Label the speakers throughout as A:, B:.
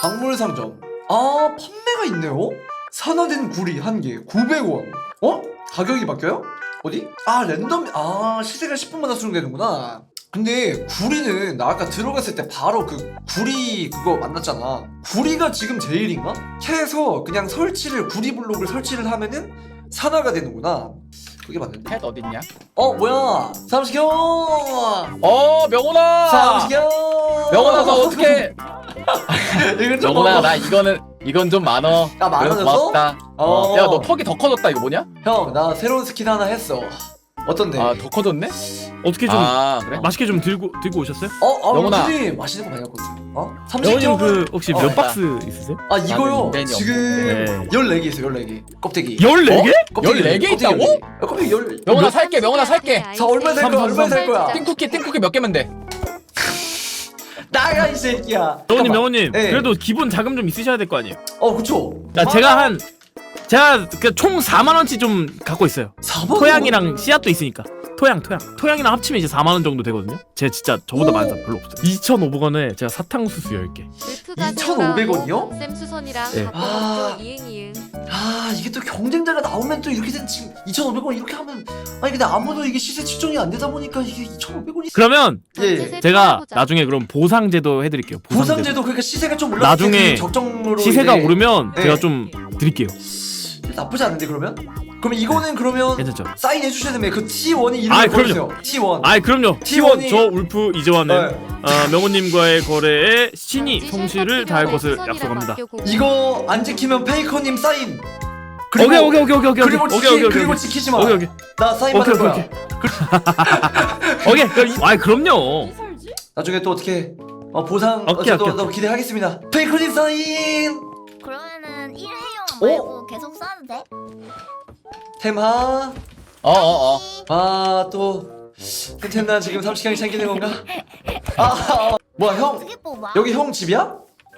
A: 박물상점. 아, 판매가 있네요? 산화된 구리 1개 900원. 어? 가격이 바뀌어요? 어디? 아, 랜덤. 아, 시세가 10분마다 수정되는구나. 근데 구리는 나 아까 들어갔을 때 바로 그 구리 그거 만났잖아. 구리가 지금 제일인가? 해서 그냥 설치를 구리 블록을 설치를 하면은 산화가 되는구나. 그게 맞는데.
B: 펫 어딨냐?
A: 뭐야? 삼식형!
B: 명훈아!
A: 삼식형!
B: 명훈아 너 어떡해?
A: 이건 좀
B: 명훈아 나 이건 좀 많어.
A: 아, 많아졌어?
B: 고맙다. 야 너
A: 어.
B: 턱이 더 커졌다. 이거 뭐냐?
A: 형, 나 새로운 스킨 하나 했어. 어떤데?
B: 아 더 커졌네?
C: 어떻게 좀
B: 그래?
C: 맛있게 좀 들고 오셨어요?
A: 영훈아.
B: 영훈아.
A: 맛있는 거 많이 갖고 있어.
C: 영호님
A: 삼식형.
C: 그 혹시 몇
B: 맞다.
C: 박스 있으세요?
A: 이거요.
B: 나는
A: 지금
C: 네.
A: 14개 있어, 14개. 껍데기.
C: 14개?
A: 껍데기
B: 14개
A: 껍데기
B: 있다고?
A: 14개. 껍데기
B: 명훈아 살게. 명훈아 살게.
A: 자, 얼마 살 거야? 얼마 살 거야?
B: 띵쿠키 몇 개면 돼?
A: 나가, 이 새끼야.
C: 명호님
A: 잠깐만.
C: 명호님
A: 네.
C: 그래도 기본 자금 좀 있으셔야 될 거 아니에요?
A: 그쵸.
C: 자, 제가 총 4만 원치 좀 갖고 있어요.
A: 4만
C: 토양이랑 씨앗도 있으니까. 토양이랑 합치면 이제 4만 원 정도 되거든요. 제가 진짜 저보다
A: 오.
C: 많은 사람 별로 없어요. 2,500원에 제가 사탕수수 10개.
A: 2,500원 이요?
D: 쌤수선이랑
C: 네.
D: 이응이응.
A: 이게 또 경쟁자가 나오면 또 이렇게 된 지금 2,500원 이렇게 하면 근데 아무도 이게 시세 측정이 안 되다 보니까 이게 2,500원이
C: 그러면
A: 예.
C: 제가 나중에 그럼 보상제도 해드릴게요.
A: 보상제도 그러니까 시세가 좀 올라갈
C: 나중에
A: 때 적정으로
C: 시세가
A: 이제
C: 오르면
A: 네.
C: 제가 좀 드릴게요.
A: 나쁘지 않은데 그러면 이거는 그러면
C: 괜찮죠?
A: 사인해 주셔야 됩니다. 그 T1이 이름을
C: 아, 그럼요.
A: 보여주세요. T1.
C: 아이 그럼요.
A: T1이
C: T1 저 울프 이재환은
A: 네.
C: 명호님과의 거래에 신이 성실을 다할 것을 약속합니다.
A: 이거 안 지키면 페이커님 사인.
C: 오케이.
A: 그리고 지키지 마.
C: 오케이.
A: 나 사인 받을 거야.
C: 오케이. 아이 그럼요.
A: 나중에 또 어떻게 보상
C: 오케이.
A: 또 기대하겠습니다. 페이커님 사인.
E: 그러면은 1회용
A: 어?
E: 말고 계속 써도 돼?
A: 템하. 또 템나 지금 30강이 챙기는 건가? 뭐야 형?
E: 어떻게 뽑아?
A: 여기 형 집이야?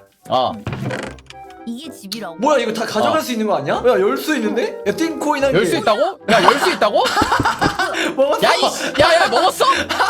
E: 이게 집이라고?
A: 뭐야 이거 다 가져갈 수 있는 거 아니야? 야, 열 수 있는데? 야, 띵코인 한 개.
B: 열 수 있다고? 야 열 수 있다고?
A: 먹었어.
B: 야야 먹었어?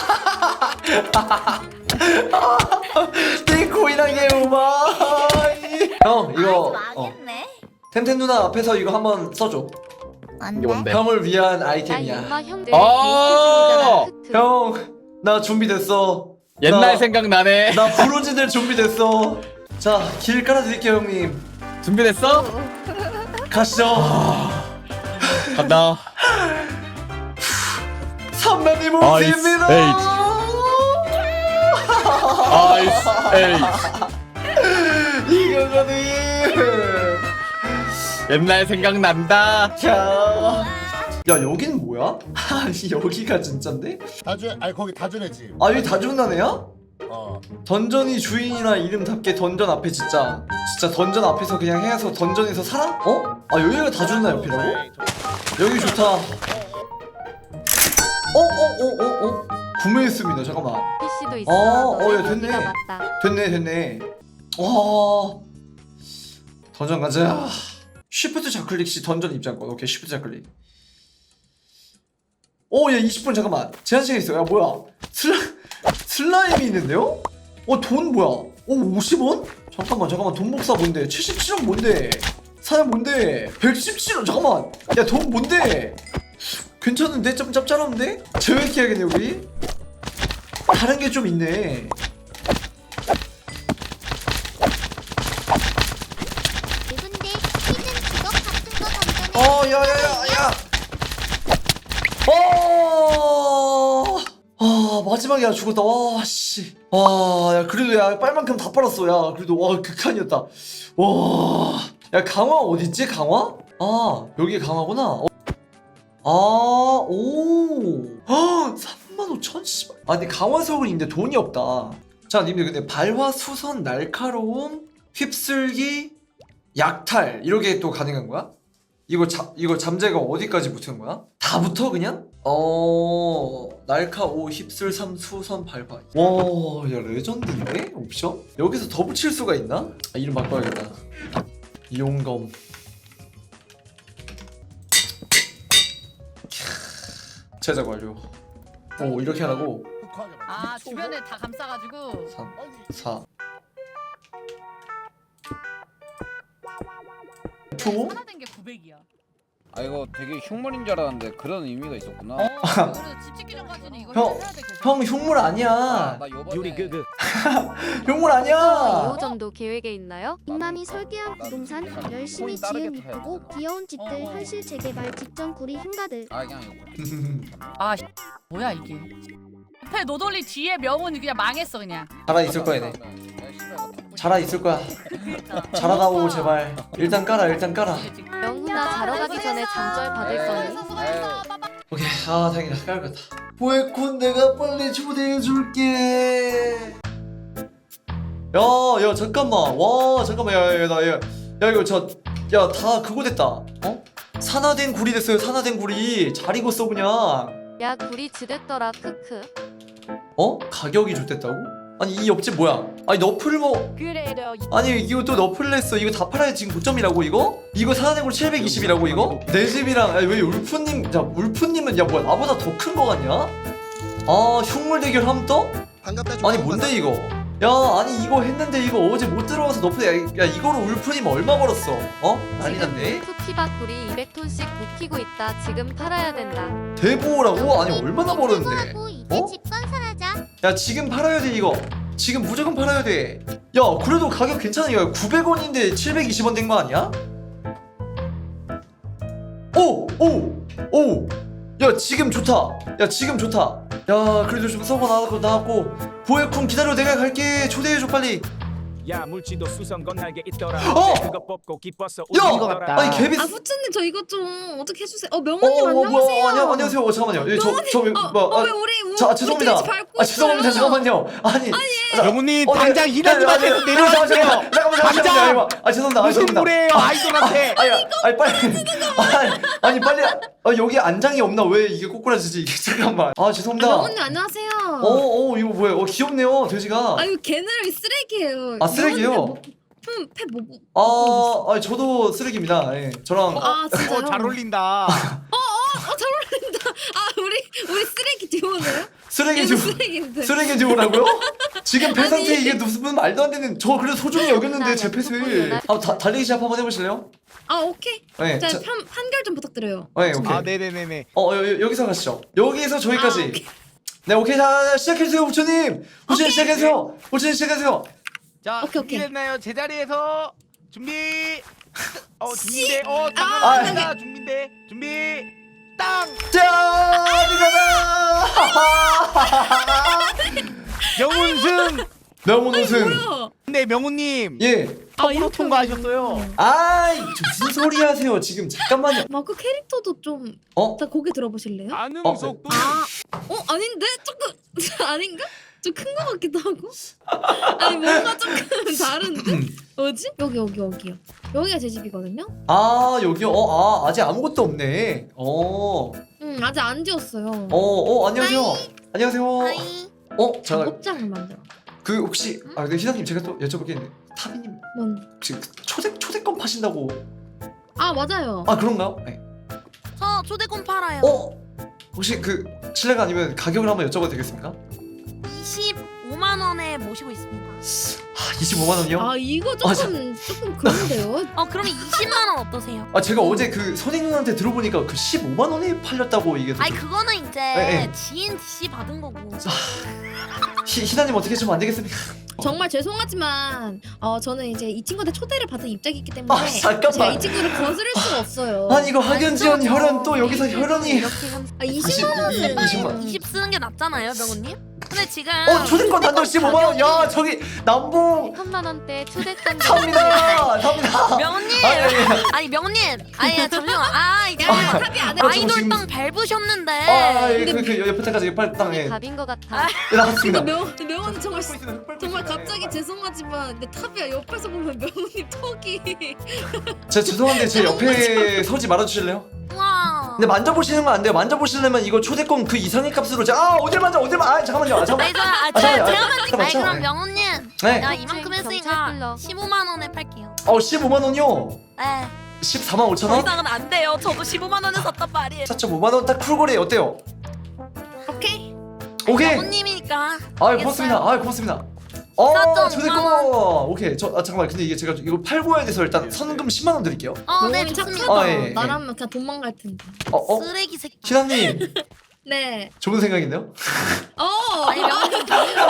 A: 띵코인 한 개, 우마. 형 이거
E: 망했네.
A: 템템 누나 앞에서 이거 한번 써줘.
E: 안
B: 이게 뭔데?
E: 돼.
A: 형을 위한 아이템이야.
B: 아.
A: 형, 나 준비됐어.
B: 옛날
A: 나-
B: 생각나네.
A: 나 브로즈들 준비됐어. 자, 길 깔아드릴게요, 형님.
B: 준비됐어?
A: 가시죠.
B: 간다.
A: 선배님
B: 아이스
A: 오십니다.
B: 아이스 에이.
A: 이거거든.
B: 옛날 생각난다.
A: 자, 야 여기는 뭐야? 아니 여기가 진짠데?
F: 거기 다준의 집.
A: 여기 다준나네야?
F: 어.
A: 던전이 주인이나 이름답게 던전 앞에 진짜 던전 앞에서 그냥 해서 던전에서 살아? 여기가 다준나 옆이라고? 여기 좋다. 구매했습니다. 잠깐만.
D: PC도 있어.
A: 야, 됐네.
D: 맞다.
A: 됐네. 던전 가자. 쉬프트 좌클릭 시 던전 입장권. 오케이, 쉬프트 좌클릭. 야 20분 잠깐만. 제한 시간 있어. 야 뭐야? 슬라임이 있는데요? 돈 뭐야? 50원? 잠깐만 돈 복사 뭔데? 77원 뭔데? 사냥 뭔데? 117원 잠깐만. 야 돈 뭔데? 괜찮은데? 좀 짭짤한데? 재회해야겠네 우리. 다른 게 좀 있네.
E: 근데 히든 직업 같은 거 던전에
A: 야야야야. 마지막에 죽었다. 와 씨. 야 그래도 야 빨만큼 다 빨았어. 야 그래도 와 극한이었다. 와. 야 강화 어딨지 강화? 여기 강화구나. 오. 35,000 씨발. 근데 강화석은 있는데 돈이 없다. 자 님들 근데 발화 수선 날카로움 휩쓸기 약탈 이렇게 또 가능한 거야? 이거 잠재가 어디까지 붙은 거야? 다 붙어 그냥? 날카 5 휩쓸 3 수선 발화. 야 레전드인데 옵션? 여기서 더 붙일 수가 있나? 이름 바꿔야겠다. 이용검. 제작 완료. 이렇게 하라고.
F: 흑화하게 막.
G: 주변에 다 감싸가지고
A: 3 4 줘?
G: 하나 된 게 900이야.
H: 아 이거 되게 흉물인 줄 알았는데 그런 의미가 있었구나.
G: 그래서 집 짓기 전까지는 이거
A: 형,
G: 해야 돼 계속.
A: 형 흉물 아니야.
H: 나 요번에
C: 요리 그
A: 흉물 아니야.
D: 2호점도 계획에 있나요?
E: 빅맘이 설계한 부동산 열심히 지은
H: 따르게 타야
E: 이쁘고
H: 되잖아.
E: 귀여운 집들
G: 어.
E: 현실 재개발 직전 구리 hin가들.
H: 아 그냥 이거.
G: 아 뭐야 이게. 앞에 노돌리 뒤에 명훈이 그냥 망했어 그냥.
A: 살아 있을 거야, 네. 살아 있을 거야. 잘하다오 제발. 일단 깔아, 일단 깔아.
D: 명훈아 자러 가기 전에 잠절 받을 거니?
A: 오케이, 아 다행이다. 깔겠다. 보에콘 내가 빨리 초대해 줄게. 야, 잠깐만. 와, 잠깐만. 야 이거 야 다 그거 됐다. 어? 산화된 구리 됐어요. 산화된 구리. 잘 익었어 그냥.
D: 야 구리 지댔더라 크크.
A: 어? 가격이 좋댔다고? 아니 이 옆집 뭐야? 아니 너플 뭐?
G: 그래요.
A: 아니 이거 또 너플 냈어. 이거 다 팔아야 지금 고점이라고 이거? 이거 산화된 구리 720이라고 이거? 내 집이랑 아니, 왜 울프님? 야 울프님은 야 뭐야 나보다 더 큰 거 같냐? 아 흉물 대결 함 떠?
I: 반갑다.
A: 아니 뭔데 이거? 야 아니 이거 했는데 이거 어제 못 들어와서 너플 야 이거로 울프님 얼마 벌었어? 어? 난리 났네.
D: 푸피박 구리 200톤씩 묵히고 있다. 지금 팔아야 된다.
A: 대보라고? 아니 얼마나 벌었는데?
E: 하고 이제
A: 어?
E: 집 건설하자.
A: 야 지금 팔아야 돼 이거. 지금 무조건 팔아야 돼. 야 그래도 가격 괜찮아. 야 900원인데 720원 된 거 아니야? 오! 야 지금 좋다. 야 지금 좋다. 야 그래도 좀 썩어 나왔고 보에쿤 기다려 내가 갈게. 초대해줘 빨리.
J: 야 물지도 수성 건날개 있더라.
A: 어!
J: 그거 뽑고 기뻐서
A: 야!
J: 웃는 거라.
A: 아니 개비.
K: 후추님 저 이거 좀 어떻게 해주세요. 명훈님 안녕하세요.
A: 뭐야 안녕하세요. 잠깐만요. 죄송합니다. 죄송합니다. 잠깐만요. 아니
B: 명훈님
A: 네.
B: 당장 일하지 마세요. 내려가세요.
A: 잠깐만요. 죄송합니다.
B: 무슨
A: 죄송합니다.
B: 무례예요 아이돌한테.
A: 아니 빨리 빨리 여기 안장이 없나? 왜 이게 꼬꾸라지지 이게? 잠깐만. 죄송합니다.
K: 명훈님 안녕하세요.
A: 이거 뭐예요? 귀엽네요 돼지가.
K: 아유 걔네를 쓰레기예요.
A: 쓰레기요? 아니 저도 쓰레기입니다. 예, 저랑
K: 진짜요?
B: 잘 어울린다.
K: 잘 어울린다. 우리 쓰레기 듀오네요?
A: 쓰레기 듀오.
K: 쓰레기인데.
A: 쓰레기 듀오라고요? 지금 패 상태 이게 무슨 말도 안 되는. 저 그래도 소중히 여겼는데 제 패스. 달리기 시합 한번 해보실래요?
K: 오케이.
A: 네.
K: 자 판결 좀 부탁드려요.
A: 네 오케이.
B: 아 네네네네.
A: 여기서 가시죠. 여기서 저기까지.
K: 오케이.
A: 네 오케이 자 시작해주세요 후추님. 후추님 시작해주세요. 후추님 시작해주세요.
B: 자
K: 오케이.
B: 준비됐나요? 제자리에서 준비. 준비돼.
A: 아,
B: 준비돼. 준비. 땅.
A: 자
B: 명훈승.
A: 명훈 우승.
K: 뭐야?
B: 근데 명훈님.
A: 예.
B: 컵으로
K: 이렇게
B: 통과하셨어요.
A: 아이 무슨 소리 하세요 지금 잠깐만요.
K: 마크 캐릭터도 좀. 자 고개 들어보실래요?
J: 반응 속도.
K: 아닌데 조금 아닌가? 좀 큰 거 같기도 하고. 아니 뭔가 조금 다른데? 뭐지? 여기요. 여기가 제 집이거든요.
A: 여기요. 아직 아무것도 없네.
K: 아직 안 지었어요.
A: 안녕하세요. 안녕하세요.
E: 하이.
A: 잠깐
K: 작업장을 만들어.
A: 그 혹시 근데 희사님 제가 또 여쭤볼 게 있는데 타비님
K: 뭔?
A: 혹시 그 초대권 파신다고?
K: 맞아요.
A: 그런가요? 네.
E: 저 초대권 팔아요.
A: 혹시 그 실례가 아니면 가격을 한번 여쭤봐도 되겠습니까?
E: 25만 원에 모시고 있습니다.
A: 25만 원이요?
K: 이거 조금 그런데요.
E: 그러면 20만 원 어떠세요?
A: 제가 어제 그 선희 누나한테 들어보니까 그 15만 원에 팔렸다고 이게.
E: 그거는 이제
A: 네.
E: 지인 DC 받은 거고.
A: 희사님 어떻게 좀 안 되겠습니까?
K: 정말 죄송하지만 저는 이제 이 친구한테 초대를 받은 입장이기 때문에
A: 잠깐만.
K: 제가 이 친구를 거스를 수가 없어요.
A: 이거 학연지연 혈연 또 여기서 혈연이.
D: 이렇게
K: 20만 원은
A: 20만.
E: 20 쓰는 게 낫잖아요, 명훈님? 근데 지금
A: 초대권 단돈 15만 원. 야 저기 남봉
D: 3만 원대 초대권
A: 탑니다.
E: 명훈님! 아니 명훈님! 잠시만. 이게
K: 탑이 안 해.
E: 아이돌
A: 지금-
E: 땅 밟으셨는데.
A: 그 옆에까지 빨리 땅에
D: 답인 것 같아.
A: 나갔습니다.
K: 명훈이 정말 갑자기 죄송하지만 근데 탑이야. 옆에서 보면 명훈이 턱이
A: 제가 죄송한데 제 옆에 서지 말아주실래요?
E: 우와.
A: 근데 만져보시는 건 안 돼요. 만져보시려면 이거 초대권 그 이상의 값으로 어딜 만져 잠깐만요.
E: 제가 만진.
A: 맞죠?
E: 그럼
A: 네.
E: 명훈님.
A: 네.
E: 내가 이만큼 했으니까 15만 원에 팔게요.
A: 15만 원이요.
E: 네.
A: 14만 5천
E: 더
A: 원?
E: 이상은 안 돼요. 저도 15만 원에 샀단 말이에요.
A: 4.5만 원 딱 쿨거래 어때요?
K: 오케이.
A: 오케이.
E: 명훈님이니까.
A: 고맙습니다. 고맙습니다. 저내 거. 오케이. 잠깐만. 근데 이게 제가 이거 팔고 와야 돼서 일단 선금 10만 원 드릴게요.
E: 네,
K: 명훈이
E: 좋습니다.
K: 착하다.
A: 예.
K: 나라면 그냥 도망갈 텐데.
E: 쓰레기 새끼.
A: 신하님
K: 네.
A: 좋은 생각인데요?
E: 아니 명훈님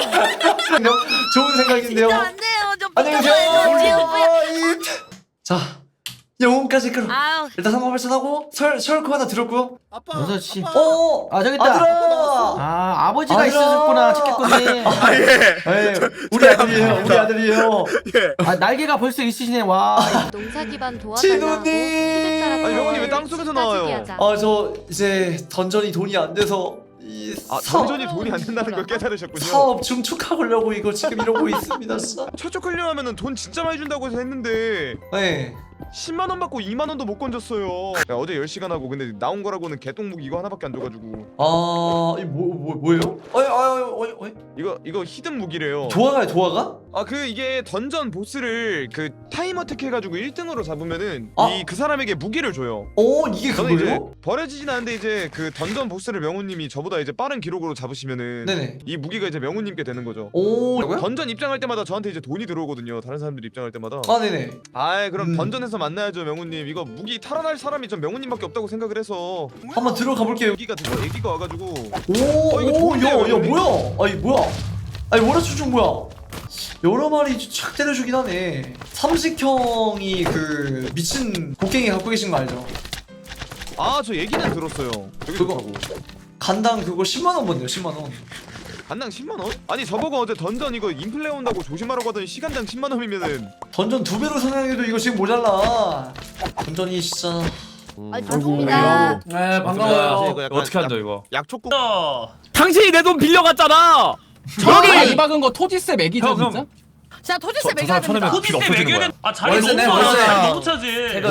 A: 좋은 생각인데요.
E: 안 돼요. 좀
A: 안녕하세요. 자, 영혼까지 끌어.
E: 아유.
A: 일단 3만 8천 하고 설코 하나 들었고요.
F: 아빠.
B: 6시.
A: 저기 있다. 아들아.
B: 아 아버지가
A: 아들아.
B: 있었구나 찾겠군요.
A: 예, 우리 아들이에요. 우리 아들이에요.
B: 아 날개가 벌써 있으시네 와.
D: 농사 기반 도와달라고
A: 진우님.
B: 아니, 명훈님 왜 땅속에서 나와요?
A: 저 이제 던전이 돈이 안 돼서 이
I: 던전이 돈이 안 된다는 걸 깨달으셨군요.
A: 사업 중축하려고 이거 지금 이러고 있습니다. 진짜.
I: 최초 클리어하면은 돈 진짜 많이 준다고 해서 했는데
A: 네.
I: 10만 원 받고 2만 원도 못 건졌어요. 야, 어제 10시간 하고 근데 나온 거라고는 개똥무기 이거 하나밖에 안 줘가지고.
A: 이 뭐예요?
I: 이거 히든 무기래요.
A: 도화가요, 도화가?
I: 이게 던전 보스를 그 타임 어택 해가지고 1등으로 잡으면은
A: 아.
I: 그 사람에게 무기를 줘요.
A: 이게
I: 저는 이제
A: 그거예요?
I: 버려지진 않는데 이제 그 던전 보스를 명훈님이 저보다 이제 빠른 기록으로 잡으시면은
A: 네네.
I: 이 무기가 이제 명훈님께 되는 거죠.
A: 뭐라고요?
I: 던전 입장할 때마다 저한테 이제 돈이 들어오거든요. 다른 사람들이 입장할 때마다.
A: 네네.
I: 그럼 던전에서 만나야죠, 명훈님. 이거 무기 탈환할 사람이 전 명훈님밖에 없다고 생각을 해서
A: 한번 들어가 볼게요.
I: 애기가 와가지고.
A: 이거 좋은데요? 야,
I: 형님?
A: 뭐야? 뭐야? 월화수중 뭐야? 여러 마리 착 때려주긴 하네. 삼식형이 그 미친 곡괭이 갖고 계신 거 알죠?
I: 저 얘기는 들었어요. 되게
A: 그거
I: 좋다고.
A: 간당 그거 10만 원 번대요. 10만 원.
I: 간당 10만 원? 아니 저보고 어제 던전 이거 인플레 온다고 조심하라고 하더니 시간당 10만 원이면은.
A: 던전 2배로 상향해도 이거 지금 모자라. 던전이 진짜.
E: 반갑습니다.
B: 네 반가워요.
I: 이거 약간
J: 어떻게 한다 이거?
I: 약초국.
C: 당신이 내 돈 빌려갔잖아.
B: 저기 이 박은 거 토지세 매기죠
J: 형,
B: 진짜?
G: 자 토지세 매겨야 됩니다.
J: 토지세 매겨야 돼. 자리
B: 월세네,
J: 너무
B: 월세.
J: 많아. 너무 차지.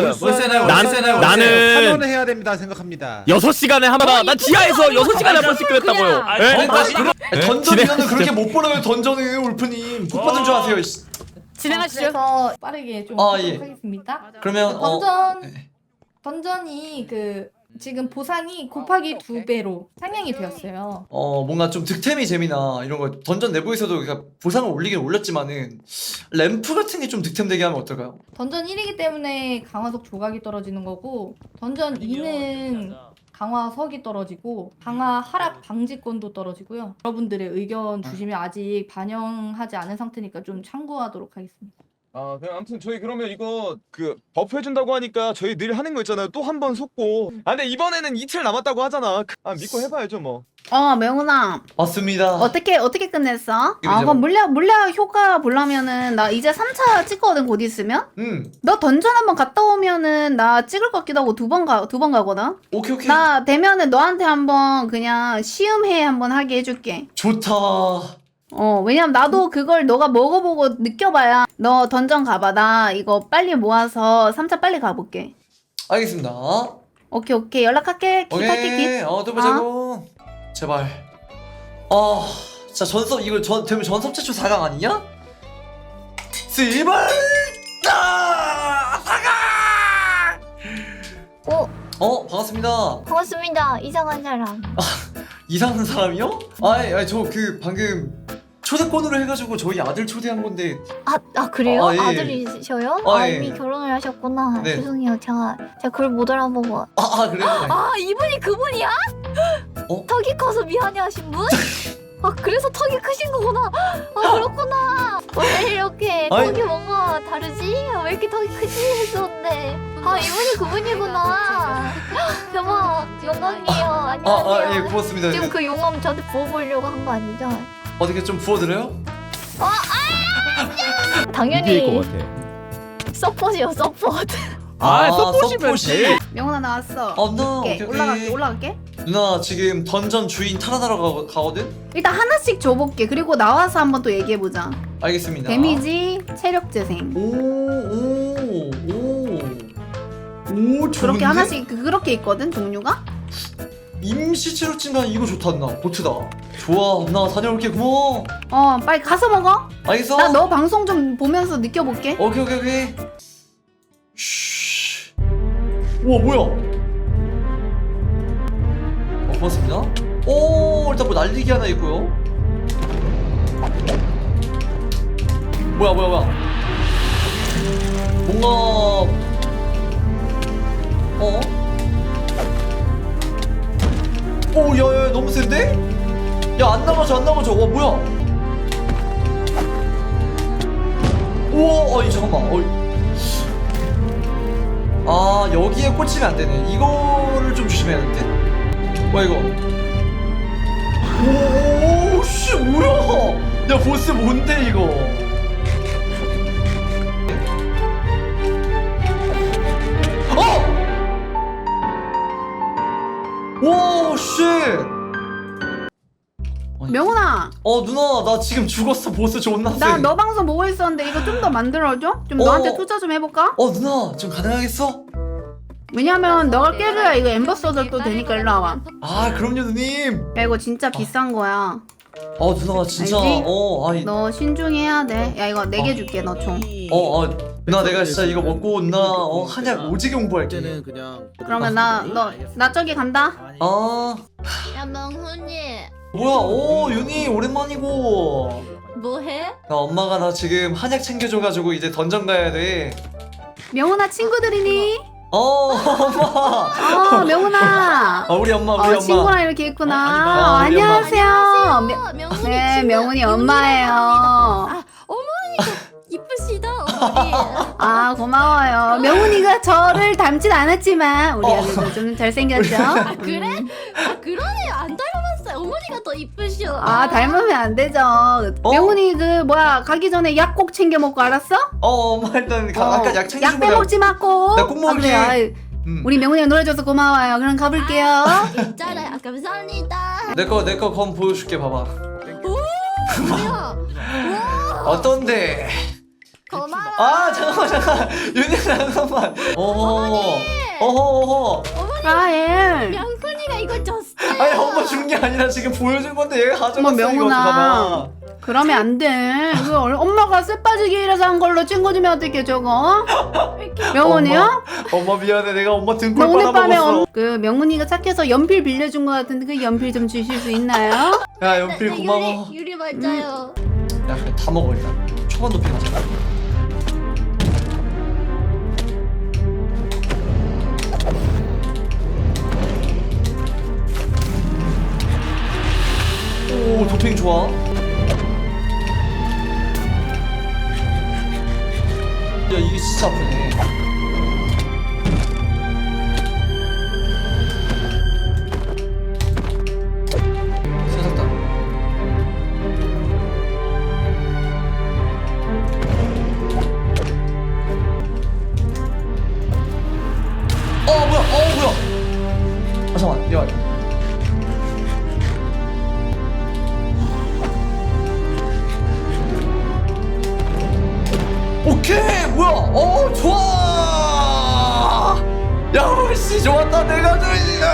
C: 나는
B: 해야 됩니다 생각합니다.
C: 6시간에 하마다 난 지하에서 6시간에 한 번씩 그랬다고요.
J: 아니,
C: 예?
A: 던전이면 그렇게 못 벌어요. 던전은 울프님 복 받은 줄 아세요. 이씨.
G: 진행하시죠.
L: 그래서 빠르게 좀
A: 예.
L: 하겠습니다.
A: 그러면 네.
L: 던전이 지금 보상이 곱하기 2배로 상향이 되었어요.
A: 뭔가 좀 득템이 재미나 이런 거 던전 내부에서도 그러니까 보상을 올리긴 올렸지만은 램프 같은 게 좀 득템되게 하면 어떨까요?
L: 던전 1이기 때문에 강화석 조각이 떨어지는 거고 던전 2는 강화석이 떨어지고 강화 하락 방지권도 떨어지고요. 여러분들의 의견 주시면 아직 반영하지 않은 상태니까 좀 참고하도록 하겠습니다.
I: 그냥 아무튼 저희 그러면 이거 그 버프 해준다고 하니까 저희 늘 하는 거 있잖아요. 또 한 번 속고. 근데 이번에는 이틀 남았다고 하잖아. 믿고 해봐야죠 뭐.
M: 명훈아
A: 맞습니다.
M: 어떻게 끝냈어?
A: 이거
M: 그럼 물약 효과 보려면은 나 이제 3차 찍거든 곧 있으면. 너 던전 한번 갔다 오면은 나 찍을 것 같기도 하고 두 번 가거든.
A: 오케이.
M: 나 되면은 너한테 한번 그냥 시음회 한번 하게 해줄게.
A: 좋다.
M: 왜냐면 나도 그걸 너가 먹어보고 느껴봐야. 너 던전 가봐. 나 이거 빨리 모아서 3차 빨리 가볼게.
A: 알겠습니다.
M: 오케이 연락할게.
A: 오케이. 또 보자고. 제발. 진짜 전섭 이거 되면 전섭 최초 4강 아니냐? 씨발! 4강! 반갑습니다.
E: 반갑습니다. 이상한 사람.
A: 이상한 사람이요? 저 방금 초대권으로 해가지고 저희 아들 초대한 건데.
E: 그래요?
A: 예.
E: 아들이셔요?
A: 예.
E: 이미 결혼을 하셨구나.
A: 네.
E: 죄송해요. 제가 그걸 못 알아보고.
A: 그래요?
E: 이분이 그분이야? 턱이 커서 미안해하신 분? 그래서 턱이 크신 거구나. 그렇구나. 원래 이렇게 턱이 뭔가 다르지? 왜 이렇게 턱이 크지? 했었는데. 이분이 그분이구나. 대박. 영광이에요. 안녕하세요.
A: 고맙습니다.
E: 지금 그 용암 저한테 부어보려고 한 거 아니죠?
A: 어떻게 좀 부어드려요?
E: 당연히 서폿이요. 서폿.
C: 서포시면 돼.
M: 명훈아 나왔어.
A: 오케이.
M: 올라갈게.
A: 누나 지금 던전 주인 탈환하러 가거든?
M: 일단 하나씩 줘볼게. 그리고 나와서 한번 또 얘기해보자.
A: 알겠습니다.
M: 데미지, 체력 재생.
A: 오, 좋은데?
M: 그렇게 하나씩 그렇게 있거든 종류가.
A: 임시 치료진단 이거 좋다 누나. 보트다. 좋아 누나 다녀올게. 고마워.
M: 빨리 가서 먹어.
A: 알겠어?
M: 나 너 방송 좀 보면서 느껴볼게.
A: 오케이. 쉬. 우와 뭐야? 고맙습니다. 일단 뭐 날리기 하나 있고요. 뭐야 뭔가 오 야야 너무 센데? 야 안 나가져 와 뭐야 우와 어이 잠깐만 어이 아 여기에 꽂히면 안 되네 이거를 좀 조심해야 될 듯? 뭐야 이거 오씨 뭐야 야 보스 뭔데 이거 와, 쉣!
M: 명훈아,
A: 누나, 나 지금 죽었어. 보스 존나 세.
M: 나 너 방송 보고 있었는데 이거 좀 더 만들어줘? 좀 너한테 투자 좀 해볼까?
A: 누나, 좀 가능하겠어?
M: 왜냐면 너가 깨줘야 이거 엠버 서들도 되니까 일로 와봐.
A: 아, 그럼요, 누님.
M: 야 이거 진짜 비싼 거야.
A: 누나, 진짜.
M: 알지?
A: 아니.
M: 너 신중히 해야 돼. 야 이거 4개 줄게 너 총.
A: 누나, 내가 진짜 이거 먹고, 누나, 한약 오지게 공부할게.
M: 그러면 나 저기 간다.
E: 야 명훈이
A: 뭐야, 윤희, 오랜만이고.
E: 뭐해?
A: 엄마가 나 지금 한약 챙겨줘가지고 이제 던전 가야 돼.
M: 명훈아 친구들이니?
A: 엄마.
M: 명훈아.
A: 우리 엄마.
M: 친구랑 이렇게 있구나.
A: 우리 엄마.
M: 안녕하세요.
E: 명훈이
M: 네,
E: 친구
M: 명훈이 엄마예요.
E: 어머니가 이쁘시다 어머니.
M: 아 고마워요. 명훈이가 저를 닮진 않았지만 우리 아들도 좀 잘생겼죠?
E: 그래? 그러네 안 닮았어요. 어머니가 더 이쁘셔.
M: 닮으면 안 되죠. 명훈이 가기 전에 약 꼭 챙겨 먹고 알았어?
A: 엄마 일단 아까 약 챙겨준
M: 약 빼먹지 마 꼭.
A: 나 꼭 먹을게.
M: 그래. 우리 명훈이가 놀아줘서 고마워요. 그럼 가볼게요.
E: 있잖아요. 감사합니다.
A: 내거 검 보여줄게 봐봐.
E: 뭐야?
A: 어떤데?
E: 고마워.
A: 잠깐만 윤희 잠깐만. 어허.
M: 예.
E: 명훈이가 이거 줬어요.
A: 아니 엄마 준 게 아니라 지금 보여준 건데 얘가 가져갔어.
M: 명훈아.
A: 이거
M: 그러면 안 돼. 엄마가 쇠빠지게 일해서 한 걸로 친구주면 어떡해 저거? 명훈이요?
A: 엄마 미안해 내가 엄마 등골
M: 오늘 밤에
A: 빨아먹었어.
M: 명훈이가 착해서 연필 빌려준 것 같은데 그 연필 좀 주실 수 있나요?
A: 야 연필 고마워.
E: 유리 맞아요.
A: 야 그래 다 먹어 일단. 초반 높이 가자. 오 도핑 좋아. 야 이게 진짜 아프네. 세상다. 뭐야. 잠깐만 야. 오케이 뭐야 좋아 야씨 좋았다 내가 좋아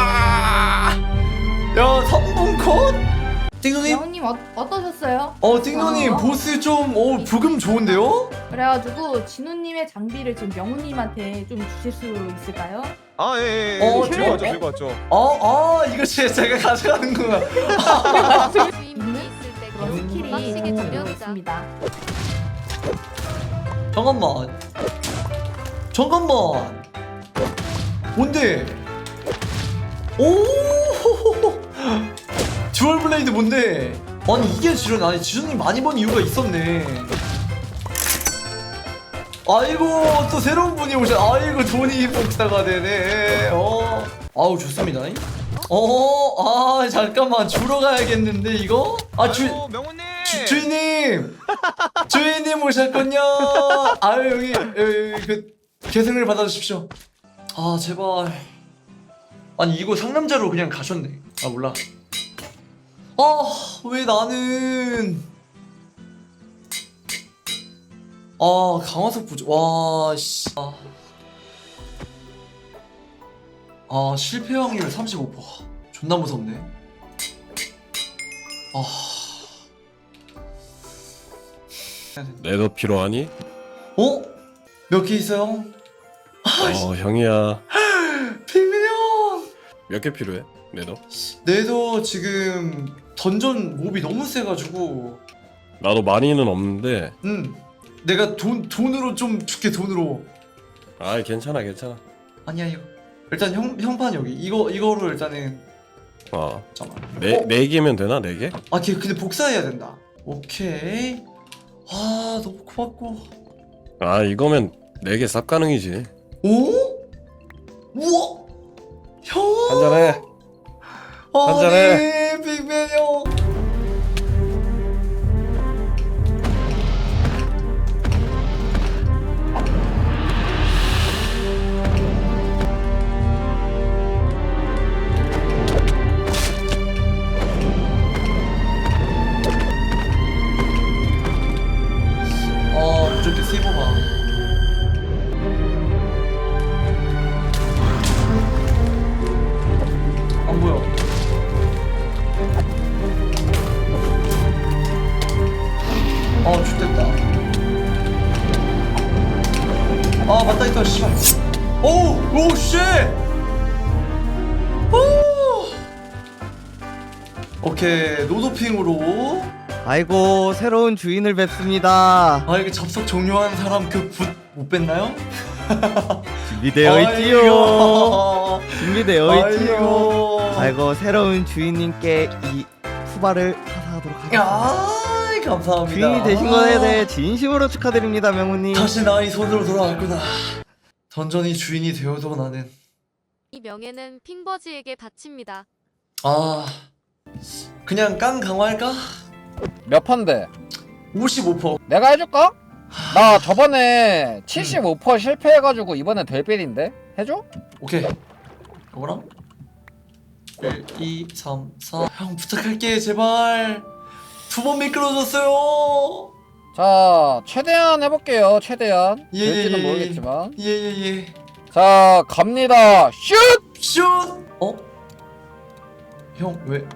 A: 야 3분 컷 띵노님
L: 명훈님 어떠셨어요?
A: 띵노님 보스 좀 부금 좋은데요?
L: 그래가지고 진우님의 장비를 지금 명훈님한테 좀 주실 수 있을까요?
I: 예. 들고 왔죠.
A: 이거 진짜 제가 가져가는 거야.
D: 주인분이 있을 때
L: 그런
D: 그런
L: 스킬이
D: 빡시게 두 명이다.
L: 있습니다.
A: 잠깐만 뭔데? 오 듀얼 블레이드 뭔데? 아니 이게 지존 아니 지존님 많이 번 이유가 있었네. 아이고 또 새로운 분이 오셔. 아이고 돈이 복사가 되네. 아우 좋습니다. 잠깐만 주러 가야겠는데 이거?
I: 명훈님.
A: 주인님 오셨군요. 아유 여기 그 계승을 받아주십시오. 제발. 아니 이거 상남자로 그냥 가셨네. 몰라. 왜 나는 강화석 부족. 와씨. 실패 확률 35%. 존나 무섭네.
N: 내도 필요하니?
A: 몇 개 있어요?
N: 형이야.
A: 핑민 형.
N: 몇 개 필요해? 내도?
A: 내도 지금 던전 몹이 너무 세가지고.
N: 나도 많이는 없는데
A: 내가 돈으로 좀 줄게 돈으로.
N: 아 괜찮아 괜찮아.
A: 아니야 이거. 일단 형판 여기 이거로 일단은 잠깐만.
N: 네 개면 되나 4개?
A: 아 근데 복사해야 된다. 오케이. 아 너무 고맙고.
N: 아 이거면 4개 쌉 가능이지.
A: 오? 우와. 형.
N: 한잔해. 한잔해.
A: 아니 빅맨 형. 무조건 세이버가. 안 보여. 죽됐다. 맞다 있다 씨발. 오 쉣. 오케이 노도핑으로.
B: 아이고 새로운 주인을 뵙습니다.
A: 이게 접속 종료한 사람 그 붓 못 뺐나요?
B: 준비되어 있지요. 준비되어 있지요. 아이고 새로운 주인님께 이 푸바를 하사하도록 하겠습니다.
A: 감사합니다.
B: 주인이 되신 것에 대해 진심으로 축하드립니다, 명훈님.
A: 다시 나의 손으로 돌아왔구나. 던전이 주인이 되어도 나는
D: 이 명예는 핑버지에게 바칩니다.
A: 그냥 깡 강화할까?
H: 몇 판데?
A: 55%.
H: 내가 해줄까? 나 저번에 75% 실패해가지고 이번에 델빌인데? 해줘?
A: 오케이. 이거랑 1, 2, 3, 4. 형 부탁할게 제발. 2번 미끄러졌어요.
H: 자 최대한 해볼게요. 최대한
A: 예,
H: 될지는
A: 예, 예.
H: 모르겠지만
A: 예.
H: 자 갑니다. 슛!
A: 형 왜?